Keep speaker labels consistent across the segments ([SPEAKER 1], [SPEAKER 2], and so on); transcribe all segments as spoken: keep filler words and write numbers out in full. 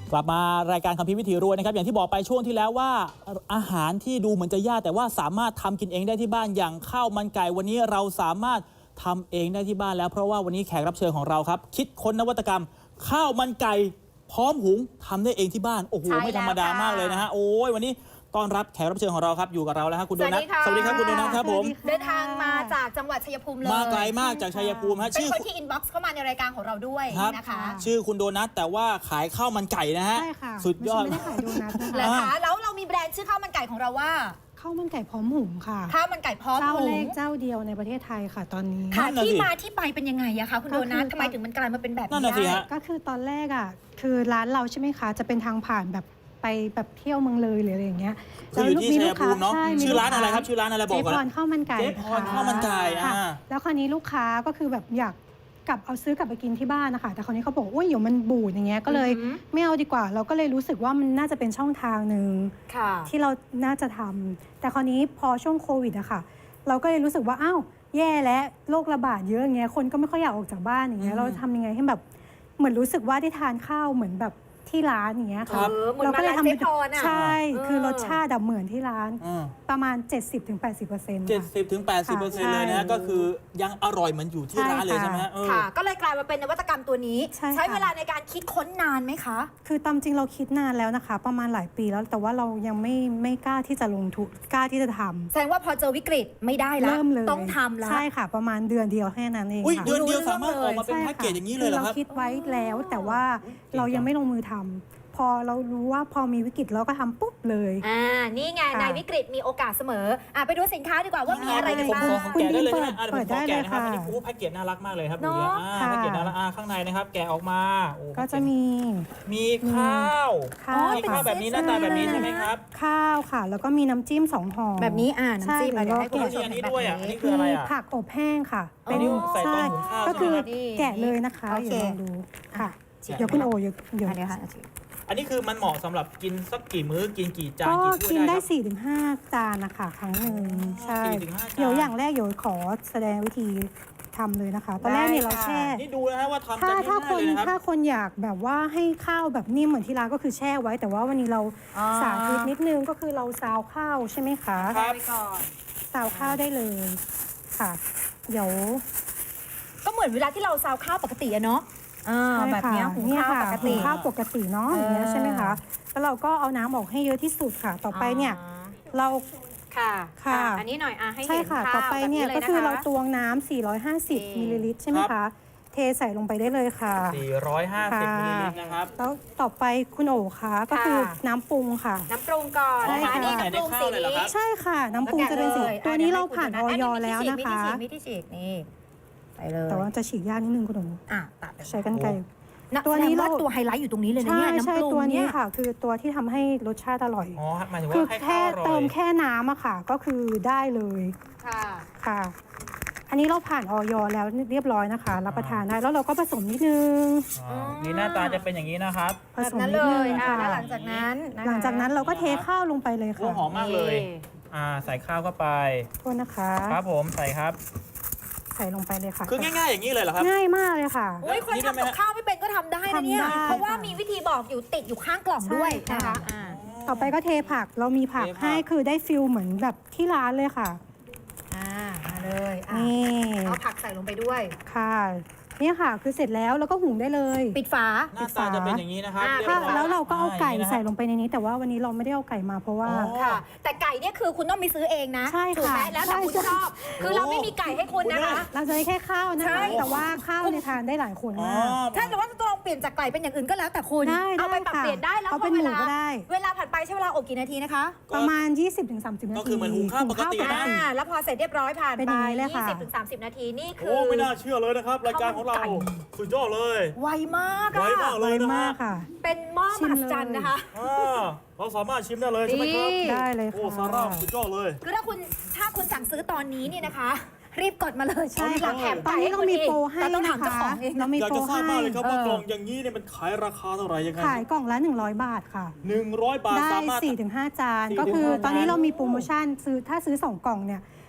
[SPEAKER 1] กลับมารายการคัมภีร์วิถีรวยนะครับอย่างที่บอกไปช่วงที่แล้วว่าอาหารที่ดูเหมือนจะยากแต่ว่าสามารถทำกินเองได้ที่บ้านอย่างข้าวมันไก่วันนี้เราสามารถทำเองได้ที่บ้านแล้วเพราะว่าวันนี้แขกรับเชิญของเราครับคิดค้นนวัตกรรมข้าวมันไก่พร้อมหุงทำได้เองที่บ้านโอ้โหไม่ธรรมดามากเลยนะฮะโอ้ยวันนี้ต้อนรับแขกรับเชิญของเราครับอยู่กับเราแล้วครับคุณโดนัทสวัสดีครับคุณโดนัทครับผม
[SPEAKER 2] เดินทางมาจากจังหวัดชัยภูมิเลย
[SPEAKER 1] มาไกลมากจากชัยภูมิฮะ
[SPEAKER 2] เป็นคนที่อินบ็อกซ์เข้ามาในรายการของเราด้วยนะคะ
[SPEAKER 1] ชื่อคุณโดนัทแต่ว่าขายข้าวมันไก่นะฮะ
[SPEAKER 3] ใช่ค่ะ
[SPEAKER 1] สุดยอด
[SPEAKER 3] ไม่ได้ขายโดนัท
[SPEAKER 2] นะคะแล้วเรามีแบรนด์ชื่อข้าวมันไก่ของเราว่า
[SPEAKER 3] ข้าวมันไก่พร้อมหุงค่ะ
[SPEAKER 2] ข้าวมันไก่พร้อมหุง
[SPEAKER 3] เจ้าแรกเจ้าเดียวในประเทศไทยค่ะตอนนี้
[SPEAKER 2] ค่ะที่มาที่ไปเป็นยังไงอะคะคุณโดนัททำไมถึงมันกลายมาเป็นแบบนี้ได้
[SPEAKER 3] ก็คือตอนแรกอะคือร้านเราใช่ไหมคะจะเป็นทางผ่านแบบไปแบบเที่ยวเมืองเลยหรืออะไรอย่างเงี้ย
[SPEAKER 1] คืออยู่ที่ชัยภูมิเนาะชื่อร้านอะไรครับชื่อร้านอะไรบอกก่อน
[SPEAKER 3] เจ๊พรข้าวมันไก่
[SPEAKER 1] เจ๊พรข้าวมันไก่
[SPEAKER 3] ค่ะแล้วคราวนี้ลูกค้าก็คือแบบอยากกลับเอาซื้อกลับไปกินที่บ้านนะคะแต่คราวนี้เขาบอกว่าเดี๋ยวมันบูดอย่างเงี้ยก็เลยไม่เอาดีกว่าเราก็เลยรู้สึกว่ามันน่าจะเป็นช่องทางหนึ่งที่เราน่าจะทำแต่คราวนี้พอช่วงโควิดอะค่ะเราก็เลยรู้สึกว่าอ้าวแย่แล้วโรคระบาดเยอะอย่างเงี้ยคนก็ไม่ค่อยอยากออกจากบ้านอย่างเงี้ยเราทำยังไงให้แบบเหมือนรู้สึกว่าได้ทานข้าวเหมือนแบบที่ร้านอย่างเงี้ยค่ะ
[SPEAKER 2] เราก็เลยท
[SPEAKER 3] ำใช่คือรสชาติเหมือนที่ร้านประมาณ เจ็ดสิบถึงแปดสิบเปอร์เซ็นต์
[SPEAKER 1] เจ็ดสิบถึงแปดสิบเปอร์เซ็นต์เลยนะก็คือยังอร่อยเหมือนอยู่ที่ร้านเลยใช่ไหม
[SPEAKER 2] ค่ะก็เลยกลายมาเป็นนวัตกรรมตัวนี้ใช้เวลาในการคิดค้นนานไหมคะ
[SPEAKER 3] คือตามจริงเราคิดนานแล้วนะคะประมาณหลายปีแล้วแต่ว่าเรายังไม่ไม่กล้าที่จะลงทุนกล้าที่จะทำ
[SPEAKER 2] แสดงว่าพอเจอวิกฤตไม่ได้แล้ว
[SPEAKER 3] เริ่มเลย
[SPEAKER 2] ต้องทำแล้ว
[SPEAKER 3] ใช่ค่ะประมาณเดือนเดียวแค่นั้นเอง
[SPEAKER 1] ค่ะเดือนเดียวสามารถออกมาเป็นแพ็กเกจอย่างนี้เลยเหรอครับ
[SPEAKER 3] เราคิดไว้แล้วแต่ว่าเรายังไม่ลงมือทำพอเรารู้ว่าพอมีวิกฤตเราก็ทำปุ๊บเลย
[SPEAKER 2] อ่านี่ไงในวิกฤตมีโอกาสเสมออ่ะไปดูสินค้าดีกว่าว่ามีอะไรกันบ้าง
[SPEAKER 1] คุณดีเปิดเปิดได้เลยค่ะอันนี้โอ้แพ็กเกจน่ารักมากเลยครับดูดิอ่าแพ็กเกจน่ารักอ่าข้างในนะครับแกะออกมา
[SPEAKER 3] ก็จะมี
[SPEAKER 1] มีข้าวมีข้าวแบบนี้หน้าตาแบบนี้ใช่ไหมครับ
[SPEAKER 3] ข้าวค่ะแล้วก็มีน้ำจิ้มสองห่อ
[SPEAKER 2] แบบนี้อ่าน้ำจิ้ม
[SPEAKER 1] อะไรให้คุณผู้ชมอันนี้ด้วยอ่ะอันนี้คืออะไรอ่ะ
[SPEAKER 3] ผักอบแห้งค่ะ
[SPEAKER 1] เป็นใส่ต้มหุงข้าว
[SPEAKER 3] ก็คือแกะเลยนะคะอย่าลองดูค่ะเดี๋ยวคุณโอเดี๋ยวเดี๋ยว
[SPEAKER 1] อันนี้คือมันเหมาะสำหรับกินสักกี่มื้อกินกี่จาน
[SPEAKER 3] ก็
[SPEAKER 1] กี่ถ้วยได้
[SPEAKER 3] กินได้ สี่ถึงห้า จานนะคะครั้งหนึ่งใช่เดี๋ยวอย่างแรกเดี๋ยวขอแสดงวิธีทำเลยนะคะตอนแรกเนี่ยเราแช่
[SPEAKER 1] นี่ดูนะฮะว่าทำ
[SPEAKER 3] ถ้าถ้าคน
[SPEAKER 1] ถ้า
[SPEAKER 3] คนอยากแบบว่าให้ข้าวแบบนิ่มเหมือนที่ร้านก็คือแช่ไว้แต่ว่าวันนี้เราสาธิตนิดนึงก็คือเราซาวข้าวใช่ไหมคะ
[SPEAKER 1] ครับ
[SPEAKER 3] ซาวข้าวได้เลยค่ะเดี๋ยว
[SPEAKER 2] ก็เหมือนเวลาที่เราซาวข้าวปกติอะเนาะแบบนี้หุงข้าวปกติ
[SPEAKER 3] ข้าวปกติเนาะอย่างเงี้ยใช่ไหมคะแล้วเราก็เอาน้ำออกให้เยอะที่สุดค่ะต่อไปเนี่ยเรา
[SPEAKER 2] ค่ะค่ะอันนี้หน่อยอ่ะให้เห็น
[SPEAKER 3] ค่ะต่อไปเนี่ยก็คือเราตวงน้ำสี่ร้อยห้าสิบมิลลิลิตรใช่ไหมคะเทใส่ลงไปได้เลยค่ะ
[SPEAKER 1] สี่ร้อยห้าสิบมิลลิลิตรนะครับ
[SPEAKER 3] แล้วต่อไปคุณโอ๋คะก็คือน้ำปรุงค่ะ
[SPEAKER 2] น้ำปรุงก่อน
[SPEAKER 1] ใช่ค่ะน้ำปรุงสี
[SPEAKER 3] ใช่ค่ะน้ำปรุงจะเป็นสีตัวนี้เราผ่านออยแล้วนะคะ
[SPEAKER 2] มิที่ฉีกนี่ไปเลย
[SPEAKER 3] แต่ว่าจะฉีกยากนิดนึงคุณโอ๋
[SPEAKER 2] อ่ะตัด
[SPEAKER 3] ใช้กันไกร
[SPEAKER 2] ตัวนี้เราตัวไฮไลท์อยู่ตรงนี้เลยนะเนี่ยน้ำปรุง
[SPEAKER 3] ตัวนี้ค่ะคือตัวที่ทำให้รสชาติอร่อย
[SPEAKER 1] อ๋อหมายถึง
[SPEAKER 3] ว่า
[SPEAKER 1] แค่
[SPEAKER 3] เติมแค่น้ำอะค่ะก็คือได้เลย
[SPEAKER 2] ค่ะ
[SPEAKER 3] ค่ะอันนี้เราผ่านออยแล้วเรียบร้อยนะคะรับประทานได้แล้วเราก็ผสมนิดนึง
[SPEAKER 1] นี่หน้าตาจะเป็นอย่างนี้นะครับ
[SPEAKER 3] ผสมนิดนึง
[SPEAKER 2] ค่ะหลังจากนั้น
[SPEAKER 3] หลังจากนั้นเราก็เทข้าวลงไปเลยค่ะ
[SPEAKER 1] หอมมากเลยอ่าใส่ข้าวเข้าไป
[SPEAKER 3] โทษนะคะ
[SPEAKER 1] ครับผมใส่ครับ
[SPEAKER 3] ใส่ลงไปเลยค่ะ
[SPEAKER 1] คือง่ายๆอย่างนี้เลยเหรอครับ
[SPEAKER 3] ง่ายมากเลยค่ะ
[SPEAKER 2] อุ้ยคนทำกับข้าวไม่เป็นก็ทำได้นะเนี่ยเพราะว่ามีวิธีบอกอยู่ติดอยู่ข้างกล่องด้วยนะคะ
[SPEAKER 3] ต่อไปก็เทผักเรามีผักให้คือได้ฟิลเหมือนแบบที่ร้านเลยค่ะ
[SPEAKER 2] อ่ามาเลยนี่เอาผักใส่ลงไปด้วย
[SPEAKER 3] ค่ะเนี่ยค่ะคือเสร็จแล้วแล้วก็หุงได้เลย
[SPEAKER 2] ปิดฝา
[SPEAKER 1] หน้าตาจะเป็นอย่างนี้นะครับ
[SPEAKER 3] แล้วเราก็เอาไก่ใส่ลงไปในนี้แต่ว่าวันนี้เราไม่ได้เอาไก่มาเพราะว่า
[SPEAKER 2] ค่ะแต่ไก่เนี่ยคือคุณต้องไปซื้อเองนะ
[SPEAKER 3] ใช่ค่ะ
[SPEAKER 2] แล้วแต่คุณชอบคือเราไม่มีไก่ให้คุณนะคะ
[SPEAKER 3] เราจะแค่ข้าวนะคะแต่ว่าข้าวในทานได้หลายคนมาก
[SPEAKER 2] ถ้าเกิดว่าจะลองเปลี่ยนจากไก่เป็นอย่างอื่นก็แล้วแต่คุณเอาไปปรับเปลี่ยนได้แล้ว
[SPEAKER 3] เอาเป็นหมูก็ได้
[SPEAKER 2] เวลาผัดไปใช้เวลาอบกี่นาทีนะคะ
[SPEAKER 3] ประมาณ ยี่สิบถึงสามสิบ นาที
[SPEAKER 1] ก็คือเหมือนหุงข้าวปกตินะ
[SPEAKER 2] แล้วพอเสร็จเรียบร้อยผ่านไป ยี่สิบถึงสามสิบ นาทีนี่คือ
[SPEAKER 1] โอ้ไม่น่าเชื่อเลยนะครับรายการของเราสุดยอดเลย
[SPEAKER 2] ไวมาก
[SPEAKER 1] ไวมากเลยนะ
[SPEAKER 3] ค่ะ
[SPEAKER 2] เป็นหม้อมหัศจรรย์นะคะ
[SPEAKER 1] เราสามารถชิมได้เลยใช่ไหมครับ
[SPEAKER 3] ได้เลยค่ะ
[SPEAKER 1] โอ้ซาร่าสุดยอดเลย
[SPEAKER 2] คือถ้าคุณถ้าคุณสั่งซื้อตอนนี้นี่นะคะรีบกดมาเลยใช่
[SPEAKER 3] หลังแถมตอนนี้เรามีโปรให้นะคะ
[SPEAKER 1] เรามีโปรให้อยากจะทราบมากเลยครับว่ากล่องอย่างนี้เนี่ยมันขายราคาเท่าไหร่ยังไง
[SPEAKER 3] ขายกล่องละหนึ่งร้อยบาทค่ะ
[SPEAKER 1] หนึ่งร้อยบาท
[SPEAKER 3] ได้ สี่ถึงห้า จานก็คือตอนนี้เรามีโปรโมชั่นซื้อถ้าซื้อสองกล่องเนี่ย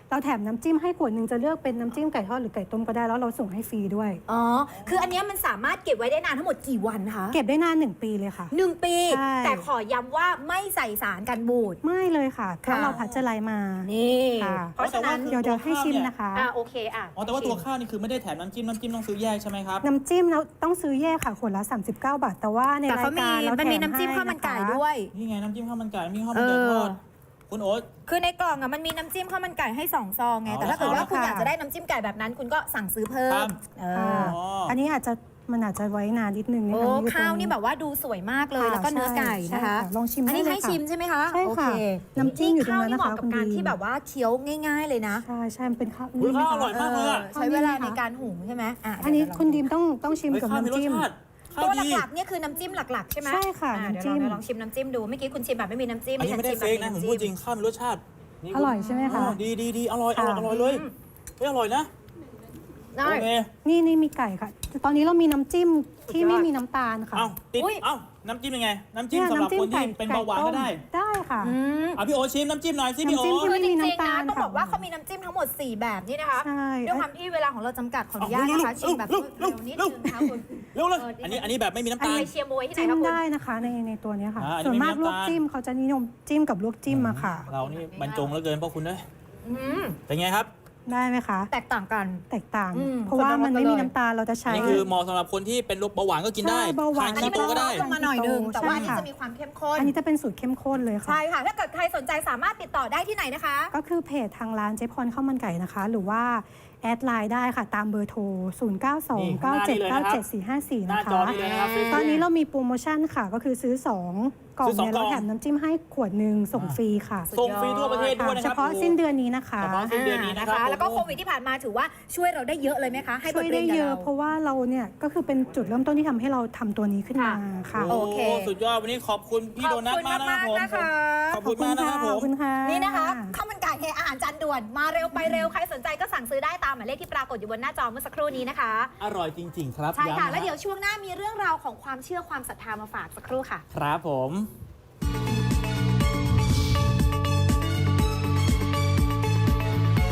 [SPEAKER 3] เราแถมน้ำจิ้มให้ขวดหนึ่งจะเลือกเป็นน้ำจิ้มไก่ทอดหรือไก่ต้มก็ได้แล้วเราส่งให้ฟรีด้วย
[SPEAKER 2] อ๋อคืออันเนี้ยมันสามารถเก็บไว้ได้นานทั้งหมดกี่วันคะ
[SPEAKER 3] เก็บได้นานหนึ่งปีเลยค่ะ
[SPEAKER 2] หนึ่งปี
[SPEAKER 3] ใช่
[SPEAKER 2] แต่ขอย้ำว่าไม่ใส่สารกันบูด
[SPEAKER 3] ไม่เลยค่ะเพราะเราพัชไลมา
[SPEAKER 2] นี่
[SPEAKER 3] ค่ะ
[SPEAKER 2] เพราะฉะนั้น
[SPEAKER 3] เดี๋ยวเดี๋ยวให้ชิมนะคะ
[SPEAKER 2] อ่าโอเคอ่ะ
[SPEAKER 1] อ๋อแต่ว่าตัวข้าวนี่คือไม่ได้แถมน้ำจิ้มน้ำจิ้มต้องซื้อแยกใช่ไหมครับ
[SPEAKER 3] น้ำจิ้มเราต้องซื้อแยกค่ะขวดละสามสิบเก้าบาทแต่ว่าใน
[SPEAKER 2] แต่
[SPEAKER 3] รา
[SPEAKER 2] เขา
[SPEAKER 3] ย
[SPEAKER 2] มี
[SPEAKER 3] การเรา
[SPEAKER 2] มัน
[SPEAKER 3] แถ
[SPEAKER 2] มี
[SPEAKER 3] ม
[SPEAKER 2] น้ำจิ้ม
[SPEAKER 3] ให้
[SPEAKER 2] ข้าวมันไก่
[SPEAKER 3] นะคะ
[SPEAKER 2] ด้วย
[SPEAKER 1] นี่ไงน้ำจิ้มข้าวมันไก่น้ำจิ้มข้าวมันไก่ทอด
[SPEAKER 2] เออ
[SPEAKER 1] คุณโอ๊ต
[SPEAKER 2] คือในกล่องอ่ะมันมีน้ำจิ้มข้าวมันไก่ให้สองซองไง
[SPEAKER 1] อ๋อ
[SPEAKER 2] แต่ถ้าเกิดว่าคุณ
[SPEAKER 3] ค่ะ
[SPEAKER 2] อยากจะได้น้ำจิ้มไก่แบบนั้น คุณก็สั่งซื้อเพิ่
[SPEAKER 1] ครั
[SPEAKER 2] ม
[SPEAKER 1] บ
[SPEAKER 2] เอ
[SPEAKER 3] ค่ะ
[SPEAKER 2] อ
[SPEAKER 3] อันนี้อาจจะมันอาจจะไว้นานนิดนึงนะ
[SPEAKER 2] โอ้
[SPEAKER 3] คะอยู่ตรง
[SPEAKER 2] ข้าวนี่แบบว่าดูสวยมากเลย
[SPEAKER 3] ค่ะ
[SPEAKER 2] แล้วก็เนื้อไก่
[SPEAKER 3] ใช่
[SPEAKER 2] นะคะ
[SPEAKER 3] ใช่ค่ะลองชิม
[SPEAKER 2] อันนี้
[SPEAKER 3] ได้เลย
[SPEAKER 2] ให้
[SPEAKER 3] ค่ะ
[SPEAKER 2] ชิมใช่ไหมคะ
[SPEAKER 3] ใช่ค่ะ
[SPEAKER 2] โอเ
[SPEAKER 3] น้ำจิ้มอยู่ตรงนั้นนะคะ
[SPEAKER 2] ข้าวนี่เหมาะกับการ
[SPEAKER 3] คุณบี
[SPEAKER 2] ที่แบบว่าเคี้ยวง่าย ๆเลยนะ
[SPEAKER 3] ใช่ใช่มันเป็นข้าว
[SPEAKER 1] อุ๊ย
[SPEAKER 3] นี่
[SPEAKER 1] ข้าวอร่อย
[SPEAKER 3] ไห
[SPEAKER 1] มากเลยอะ
[SPEAKER 2] ใช้เวลาในการหุงใช่ไหมอ่ะ
[SPEAKER 3] อันนี้
[SPEAKER 2] เดี๋ยว
[SPEAKER 3] คุณ
[SPEAKER 2] เรา
[SPEAKER 3] ดีมต้องต้องชิม
[SPEAKER 1] เฮ้ย
[SPEAKER 3] กับ
[SPEAKER 1] ข้าวมี
[SPEAKER 3] น้ำ
[SPEAKER 1] รส
[SPEAKER 3] จิ้ม
[SPEAKER 1] ชาติข้าว
[SPEAKER 2] ตัว
[SPEAKER 1] ดี
[SPEAKER 2] หลักๆเนี่ยคือน้ำจิ้มหลักๆใช่ไหม
[SPEAKER 3] ใช่ค่ะ
[SPEAKER 2] อ่
[SPEAKER 3] น้ำจิ้ม
[SPEAKER 2] เดี๋ยวเราลองชิมน้ำจิ้มดูเมื่อกี้คุณชิมแบบไม่มีน้ำจิ้ม
[SPEAKER 1] อันนี้ไม่ได้
[SPEAKER 2] ฉั
[SPEAKER 1] เฟ
[SPEAKER 2] ชิ
[SPEAKER 1] กนะ
[SPEAKER 2] แบบ
[SPEAKER 1] ผม
[SPEAKER 2] น้ำ
[SPEAKER 1] พูด
[SPEAKER 2] จิ้
[SPEAKER 1] จริงข้าวมีรสชาตินี่
[SPEAKER 3] อร่อยใช่ไหมคะ
[SPEAKER 1] อ๋อดีดีดีอร่อยอร่อยอร่อยเลยเฮ้ยอร่อยนะ
[SPEAKER 2] ได้
[SPEAKER 1] โอเค
[SPEAKER 3] นี่นี่มีไก่ค่ะตอนนี้เรามีน้ำจิ้มที่ไม่มีน้ำตาลค่ะ
[SPEAKER 1] เอ้าติด
[SPEAKER 2] อุ๊ย
[SPEAKER 1] เอ้าน้ำจิ้มยังไง น้ำจิ้ม
[SPEAKER 3] เนี่ย
[SPEAKER 1] สำหรับ
[SPEAKER 3] ำจิ้
[SPEAKER 1] ค
[SPEAKER 3] ม
[SPEAKER 1] นที่เป็นเบาหวานก็ได้
[SPEAKER 3] ได้ค่ะ
[SPEAKER 2] อืม
[SPEAKER 1] อ่ะพี่โอชิมน้ำจิ้มหน่อยสิพี่โอ
[SPEAKER 3] น้ำจิ้มที่
[SPEAKER 2] คือจริงๆ
[SPEAKER 3] ไม่มี
[SPEAKER 2] นะ
[SPEAKER 3] น้ำตาล
[SPEAKER 2] ต้อง
[SPEAKER 3] ค่ะ
[SPEAKER 2] บอกว่าเขามีน้ำจิ้มทั้งหมดสี่แบบนี่นะคะ
[SPEAKER 3] ใช่
[SPEAKER 2] ด้วยความที่เวลาของเราจำกัดขออนุญาตนะคะชิมแบบเร็วนิดนึงนะคะคุณ
[SPEAKER 1] เร็วเลย
[SPEAKER 2] เออ
[SPEAKER 1] อันนี้อันนี้แบบไม่มีน้ำ
[SPEAKER 2] อัน
[SPEAKER 1] ตาล
[SPEAKER 2] นี้ไปเชียร์มวยที่ไหน
[SPEAKER 3] จิ้ม
[SPEAKER 2] คะคุณ
[SPEAKER 3] ได้นะคะในในตัวเนี้ยค่ะ
[SPEAKER 1] อ่าอันนี้
[SPEAKER 3] ส่วนมาก
[SPEAKER 1] ไม่มี
[SPEAKER 3] ลวก
[SPEAKER 1] น้ำตาล
[SPEAKER 3] จิ้มเขาจะนิยมจิ้มกับลวกจิ้มอะค่ะ
[SPEAKER 1] เรานี่บรรจงเหลือเกินพ่อคุณเอ้ย
[SPEAKER 2] อืม
[SPEAKER 1] เป็นไงครับ
[SPEAKER 3] ได้ไหมคะ
[SPEAKER 2] แตกต่างกัน
[SPEAKER 3] แตกต่าง
[SPEAKER 2] อืม
[SPEAKER 3] เพราะว่ามันไม่มีน้ำตาลเราจะ
[SPEAKER 1] อั
[SPEAKER 3] ใช้
[SPEAKER 1] นนี้คือเหมาะสำหรับคนที่เป็นโรคเบาหวานก็กินได้
[SPEAKER 3] ใช่เบาหวาน
[SPEAKER 1] ท
[SPEAKER 2] อัน
[SPEAKER 1] คี
[SPEAKER 2] นี้มัน
[SPEAKER 1] โตก็ได้
[SPEAKER 2] ลดลงมาหน่อยนึง แต่ว่าอัน
[SPEAKER 3] ใช่
[SPEAKER 2] นี้
[SPEAKER 3] ค่ะ
[SPEAKER 2] จะมีความเข้มข้น
[SPEAKER 3] อันนี้จะเป็นสูตรเข้มข้นเลยค่ะ
[SPEAKER 2] ใช่ค่ะ ถ้าเกิดใครสนใจสามารถติดต่อได้ที่ไหนนะคะ
[SPEAKER 3] ก็คือเพจทางร้านเจ๊พรข้าวมันไก่นะคะ หรือว่าแอดไลน์ได้ค่ะ ตามเบอร์โทร ศูนย์ เก้า สอง เก้า เจ็ด เก้า เจ็ด สี่ ห้า สี่
[SPEAKER 1] หน้า
[SPEAKER 3] นะ
[SPEAKER 1] จอ
[SPEAKER 3] คะ
[SPEAKER 1] นี้เลยนะครับ
[SPEAKER 3] ตอนนี้เรามีโปรโมชั่นค่ะ ก็คือซื้อ สอง กล่อง
[SPEAKER 1] ซื้อสอง
[SPEAKER 3] เนี่ย
[SPEAKER 1] กล่อง
[SPEAKER 3] เราแถมน้ำจิ้มให้ขวดหนึ่งส่งฟรีค่ะ
[SPEAKER 1] ส่งฟรีทั่วประเทศด้วย
[SPEAKER 3] ค่ะ
[SPEAKER 1] นะ
[SPEAKER 3] เฉ
[SPEAKER 1] ครับ
[SPEAKER 3] พาะสิ้นเดือนนี้นะคะ
[SPEAKER 1] เฉพาะสิ้นเดือนนี้นะครับ
[SPEAKER 2] แล้วก็โควิดที่ผ่านมาถือว่าช่วยเราได้เยอะเลยไหมคะ ให้บ
[SPEAKER 3] ช่ว
[SPEAKER 2] ท
[SPEAKER 3] ย
[SPEAKER 2] เรี
[SPEAKER 3] ได้
[SPEAKER 2] ยนกับ
[SPEAKER 3] เยอะ
[SPEAKER 2] เรา
[SPEAKER 3] เพราะว่าเราเนี่ยก็คือเป็นจุดเริ่มต้นที่ทำให้เราทำตัวนี้ขึ้นมาค่ะ
[SPEAKER 2] โอ
[SPEAKER 1] โอ้
[SPEAKER 2] เค
[SPEAKER 1] สุดยอดวันนี้ขอบคุณพี่โดนัทมากนะครับผม
[SPEAKER 2] ขอบคุณมากๆนะคะ
[SPEAKER 1] ขอบคุณมากนะครับผ
[SPEAKER 3] ขอ
[SPEAKER 1] ม
[SPEAKER 3] บคุณค่ะ
[SPEAKER 2] นี่นะคะข้าวมันไก่เฮอาหารจานด่วนมาเร็วไปเร็วใครสนใจก็สั่งซื้อได้ตามหมายเลขที่ปรากฏอยู่บนหน้าจอเมื่อสักครู่นี้นะคะ
[SPEAKER 1] อร่อยจริง ๆ ครับ
[SPEAKER 2] ใช่ค่ะ
[SPEAKER 1] ย้ำน
[SPEAKER 2] แล้วเดี๋ยวช่วงหน้ามีเรื่องราวของความเชื่อความศรัทธามาฝากสักครู่ค่ะ
[SPEAKER 1] ครับผม